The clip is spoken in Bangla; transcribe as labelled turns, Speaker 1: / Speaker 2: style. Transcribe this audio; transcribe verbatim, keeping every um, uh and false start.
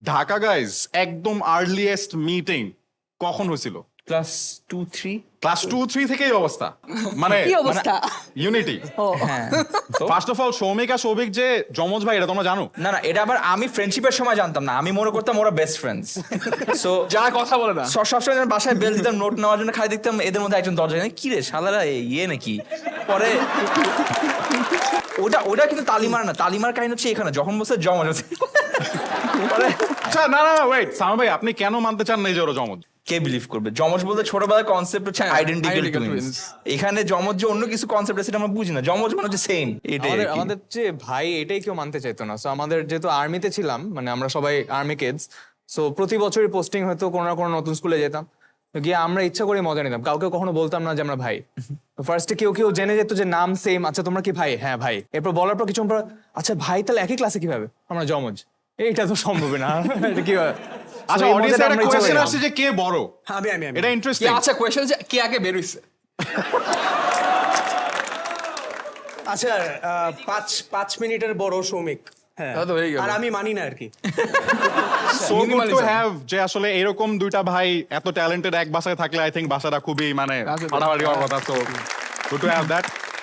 Speaker 1: ঢাকা গাইজ একদম আর্লিয়েস্ট মিটিং কখন হয়েছিল?
Speaker 2: Class two three
Speaker 1: class two three থেকেই অবস্থা, মানে
Speaker 3: কি অবস্থা?
Speaker 1: ইউনিটি।
Speaker 2: হ্যাঁ তো
Speaker 1: ফার্স্ট অফ অল সৌমিক আর সৌভিক যে যমজ ভাই, এটা তোমরা জানো?
Speaker 2: না না এটা আবার আমি ফ্রেন্ডশিপের সময় জানতাম না, আমি মনে করতাম ওরা বেস্ট ফ্রেন্ডস। সো
Speaker 4: যা কথা বলে না।
Speaker 2: সবসময় যখন বাসায় বেল দিতাম নোট নেওয়ার জন্য, খাই দেখতাম এদের মধ্যে একজন দরজা কি রে শালারা এ- ইয়ে নাকি। পরে ওটা ওটা কিন্তু তালিমার না, তালিমার কাহিনী হচ্ছে এখানে যখন বসে জমা হচ্ছে। পরে
Speaker 1: আচ্ছা না না ওয়েট, সামা ভাই আপনি কেন মানতে চান না এই যে ওরা যমজ?
Speaker 2: কে বিলিভ করবে? জমজ বলতে ছোটবেলার কনসেপ্ট হচ্ছে আইডেন্টিক্যাল
Speaker 4: identical
Speaker 2: টুইনস।
Speaker 4: twins।
Speaker 2: এখানে জমজ যে অন্য কিছু কনসেপ্ট আছে সেটা আমরা বুঝি না, জমজ মানে হচ্ছে সেম। এটাই
Speaker 4: আমাদের
Speaker 2: আর কি।
Speaker 4: আমাদের যে ভাই এটাই কেউ মানতে চাইতো না। সো আমাদের যেহেতু আর্মিতে ছিলাম, মানে আমরা সবাই আর্মি কিডস, সো প্রতি বছরই পোস্টিং হয়তো কোনো না কোনো নতুন স্কুলে যেতাম, তো গিয়ে আমরা ইচ্ছা করে মজা নিতাম, কাউকে কখনো বলতাম না যে আমরা ভাই। ফার্স্টে কেউ কেউ জেনে যেত যে নাম সেম, আচ্ছা তোমরা কি ভাই? হ্যাঁ ভাই। এরপর বলার পর কিছু পর আচ্ছা ভাই তাহলে একই ক্লাসে কিভাবে? আমরা জমজ। এইটা তো সম্ভব না। এটা কি হয়?
Speaker 1: আচ্ছা
Speaker 4: So এই
Speaker 1: অডিয়েন্সে
Speaker 4: মজাটা
Speaker 1: একটা
Speaker 4: আমরা ইচ্ছা
Speaker 1: কোয়েশ্চেন
Speaker 4: করে
Speaker 1: আসছে যে কে বড়,
Speaker 5: আমি আমি আমি
Speaker 1: এটা
Speaker 4: কি
Speaker 1: ইন্টারেস্টিং।
Speaker 4: আচ্ছা কোয়েশ্চেন যে কে আগে বের হইছে?
Speaker 5: আচ্ছা আহ, পাঁচ পাঁচ মিনিটের বড় সৌমিক। হ্যাঁ
Speaker 4: তাহলে তো হয়েই গেল।
Speaker 5: আর আমি মানি না আর কি।
Speaker 1: So good to
Speaker 4: minimalism।
Speaker 1: Have যে আসলে এরকম দুইটা ভাই এত ট্যালেন্টেড এক বাসায় থাকলে আই থিংক বাসাটা খুবই মানে
Speaker 4: আসলে।
Speaker 1: ফাটাফাটি হওয়ার কথা। So good to have that.